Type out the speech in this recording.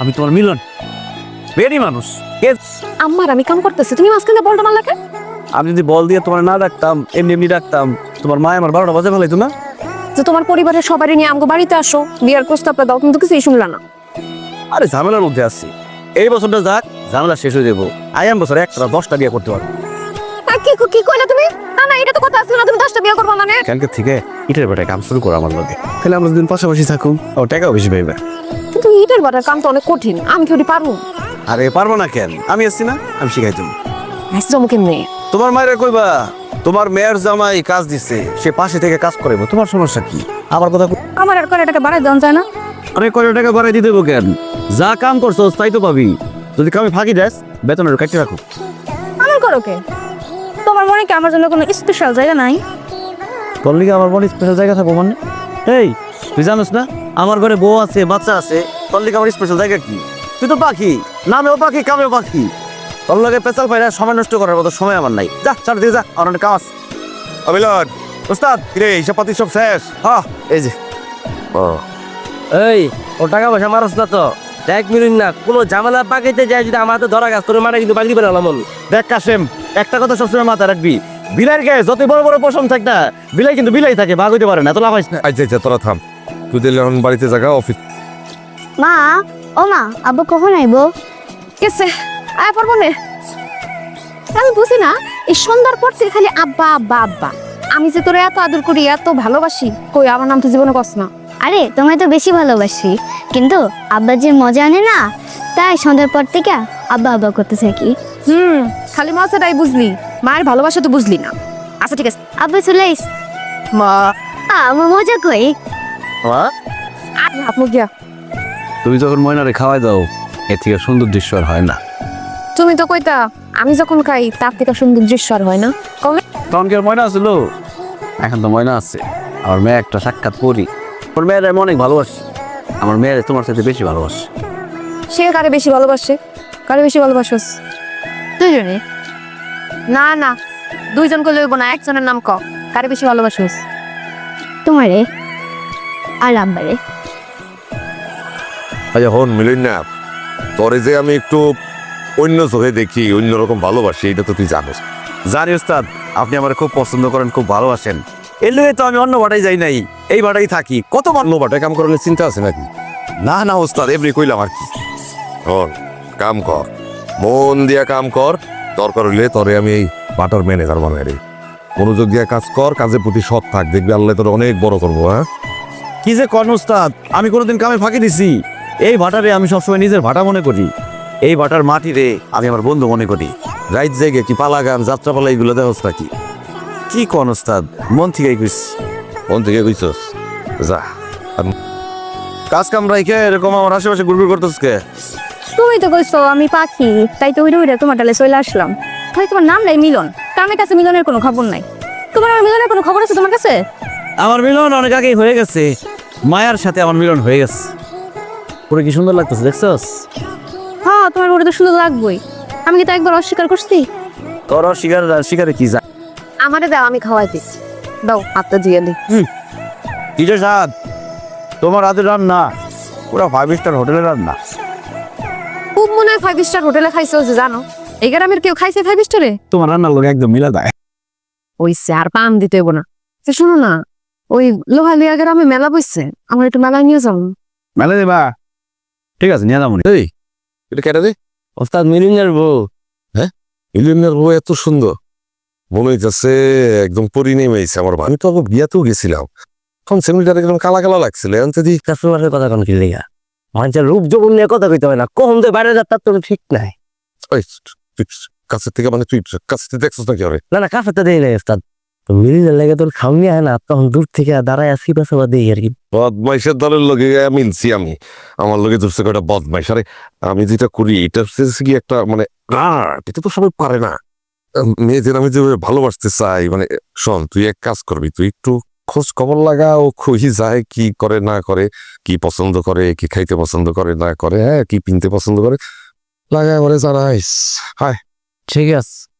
আমি তোমার মিলন বেরি মানুষ আম্মার আমি কাম করতেছি, তুমি মাঝখানে বলটা মারলা কেন? আমি যদি বল দিয়ে তোমার না ডাকতাম, এমনি এমনি ডাকতাম, তোমার মা আমার 12টা বাজে ফেলাইতো না। যে তোমার পরিবারের সবারই নিয়ে আমগো বাড়িতে আসো, বিয়ার প্রস্তাবটা দাও, তুমি তো কিছুই শুনলা না। আরে ঝামেলার মধ্যে আছি, এই বছরটা যাক, ঝামেলা শেষ হয়ে যাবো। আয়াম বছর একটা 10টা বিয়ে করতে পারবো। কি কইলা তুমি? না না, এটা তো কথা আসলো না, তুমি 10টা বিয়ে করবা মানে? কালকে থেকে ইটের বেটায় কাম শুরু করো আমার লগে, তাহলে আমরা দুদিন পাশাপাশি থাকুন, ও টাকাও বেশি পাইবে। কিন্তু ইটের বাটার কাম তো অনেক কঠিন, আমি কি ওটি পারবো? আরে পারবো না কেন, আমি আসছি না, আমি শিখাই তুমি। আসছো কেমনে? তোমার মায়ের কইবা তোমার মেয়ের জামাই কাজ দিছে, সে পাশে থেকে কাজ করাইবো, তোমার সমস্যা কি? আমার কথা আমার আর করে টাকা বাড়াই দেওয়া যায় না? আরে কয় টাকা বাড়াই দিয়ে দেবো কেন? যা কাম করছো তাই তো পাবি। যদি কামে ফাঁকি দেস, বেতনের কাটতে রাখো। আমার করো কে? তোমার মনে কি আমার জন্য কোনো স্পেশাল জায়গা নাই? তোর লিগে আমার মনে স্পেশাল জায়গা থাকবো মানে? এই তুই জানোস না আমার ঘরে বউ আছে, বাচ্চা আছে, তোর লিগে আমার স্পেশাল জায়গা কি? তুই তো পাখি, নামেও পাখি, কামেও পাখি। তোর লগে পেশাল পাইরা সময় নষ্ট করার মতো সময় আমার নাই। যা চার দিকে যা, আমার অনেক কাম আছে। অবিলন ওস্তাদ, কিরে হিসাব পাতি সব শেষ? হ্যাঁ এই যে। ও এই ও টাকা পয়সা মারস না তো, দেখ মিলুন না কোনো ঝামেলা পাকাইতে যায়, যদি আমার হাতে ধরা গাছ তোর মানে কিন্তু বাগড়ি বেড়ালাম। দেখ কাশেম, একটা কথা সবসময় মাথায় রাখবি, বিলাইয়ের গায়ে যতই বড় বড় পশম থাক না, বিলাই কিন্তু বিলাই থাকে, ভাগ হইতে পারে না। তো লাভ না। আচ্ছা তোরা থাম, তুই দিলে এখন বাড়িতে জায়গা অফিস। মা, ও মা, আব্বু কখন আইবো? কেসে আয় পারবো না। আমি বুঝি না, এই সন্ধ্যার পর থেকে খালি আব্বা আব্বা আব্বা। আমি যে তোরে এত আদর করি, এত ভালোবাসি, কই আমার নাম তো জীবনে কস না। আরে তোমায় তো বেশি ভালোবাসি, কিন্তু আব্বা যে মজা আনে না, তাই সন্ধ্যার পর থেকে আব্বা আব্বা করতে থাকি। খালি মজাটাই বুঝলি, মায়ের ভালোবাসা তো বুঝলি না। আচ্ছা ঠিক আছে, আব্বা চলে আইস। মা আমার মজা কই? মা আপু গিয়া। তুমি যখন ময়নারে খাওয়াই দাও, এর থেকে সুন্দর দৃশ্য আর হয় না। তুমি তো কইতা আমি যখন খাই তার থেকে সুন্দর দৃশ্য আর হয় না। কবে? তখন কি আর ময়না আছিল? এখন তো ময়না আছে। আমার মেয়ে একটা সাক্ষাৎ করি, আমার মেয়ের আমি অনেক ভালোবাসি। আমার মেয়ের তোমার সাথে বেশি ভালোবাসি। সে কারে বেশি ভালোবাসে? কারে বেশি ভালোবাসোস? দুইজনে? না না, দুইজনকে লইব না, একজনের নাম ক। কারে বেশি ভালোবাসোস? তোমারে আর আব্বারে। আচ্ছা হন মিলুন না, তোরে যে আমি একটু অন্য চোখে দেখি, অন্যরকম ভালোবাসি, এটা তো তুই জানোস। জানি ওস্তাদ, আপনি আমার খুব পছন্দ করেন, খুব ভালোবাসেন। এর লগে তো আমি অন্য বাটাই যাই নাই, এই বাটাই থাকি। কত অন্য বাটায় কাম করলে চিন্তা আছে নাকি? না না ওস্তাদ, এমনি কইলাম আর কি। হন কাম কর, মন দিয়া কাম কর, দরকার হইলে তোরে আমি এই বাটার ম্যানেজার বানাই রে। মনোযোগ দিয়া কাজ কর, কাজের প্রতি সৎ থাক, দেখবি আল্লাহ তোর অনেক বড় করবো। হ্যাঁ কি যে কর্ণ ওস্তাদ, আমি কোনোদিন কামে ফাঁকি দিছি? এই ভাটারে আমি সবসময় নিজের ভাটা মনে করি। এই ভাটার মাটি রে আমি আমার বন্ধু মনে করি। রাইত জেগে কি পালা গান, যাত্রাপালা এগুলো দেখোস নাকি? কি কন ওস্তাদ, মন থেকে কইছি। মন থেকে কইছস? যা কাজ কাম রাইখে এরকম আমার আশেপাশে ঘুরঘুর করতেছ কে? তুমি তো কইছো আমি পাখি, তাই তো উড়ে উড়ে তোমার ডালে চলে আসলাম। ভাই তোমার নাম নাই মিলন, কামের কাছে মিলনের কোনো খবর নাই। তোমার আমার মিলনের কোনো খবর আছে তোমার কাছে? আমার মিলন অনেক আগেই হয়ে গেছে, মায়ার সাথে আমার মিলন হয়ে গেছে। পুরো কি সুন্দর লাগতেছে দেখছস? হ্যাঁ, তোমার ওটা তো সুন্দর লাগবেই। আমি কি তা একবার অস্বীকার করছি? তোর শিকার শিকারে কি যায়? আমারে দাও, আমি খাওয়াই দিই। দাও, হাতটা দিয়ে দিই। কি যে স্বাদ তোমার হাতের রান্না, পুরো 5 স্টার হোটেলের রান্না। খুব মনে হয় 5 স্টার হোটেলে খাইছো, যে জানো এই গ্রামের কেউ খাইছে 5 স্টারে? তোমার রান্নার লোক একদম মিলা দেয়। ওই আর পান দিতে হইব না। শোনো না, ওই লোহালিয়া গ্রামে মেলা বসছে, আমার একটু মেলায় নিয়ে যাবো। মেলা দেবা? ঠিক আছে, নিয়ে যাবো। এই এটা কেটে দে। ওস্তাদ মিলুনের বউ। ইলিয়ার বউ এত সুন্দর, মনে হইতেছে একদম পরি নেমেছে আমার। আমি তো আবার বিয়াতেও গেছিলাম, তখন সেমিটার একদম কালা কালা লাগছিল। এখন যদি কাস্টমারের কথা কোন কি লেগা? মানুষের রূপ যৌবন নিয়ে কথা কইতে হয় না, কখন তো বাইরে যাত্রার তোর ঠিক নাই। ওই তুই কাছের থেকে, মানে তুই কাছ থেকে দেখছিস নাকি? আরে না না, কাফেতে দেই নাই ওস্তাদ, তো মিলিনের লেগে তোর খাওনি হয় না, তখন দূর থেকে দাঁড়ায় আসি পাশে বা দেই আর কি। বদমাইশের দলের লগে মিলছি আমি, আমার লগে ধরছে কয়টা বদমাইশ। আরে আমি যেটা করি এটা হচ্ছে কি একটা মানে এটা তো সবাই পারে না। মেয়েদের আমি যে ভালোবাসতে চাই, মানে শোন তুই এক কাজ করবি, তুই একটু খোঁজ খবর লাগা, ও খুঁজি যায় কি করে না করে, কি পছন্দ করে, কি খাইতে পছন্দ করে না করে, হ্যাঁ কি পিনতে পছন্দ করে, লাগা করে জানাইস। হায় ঠিক আছে।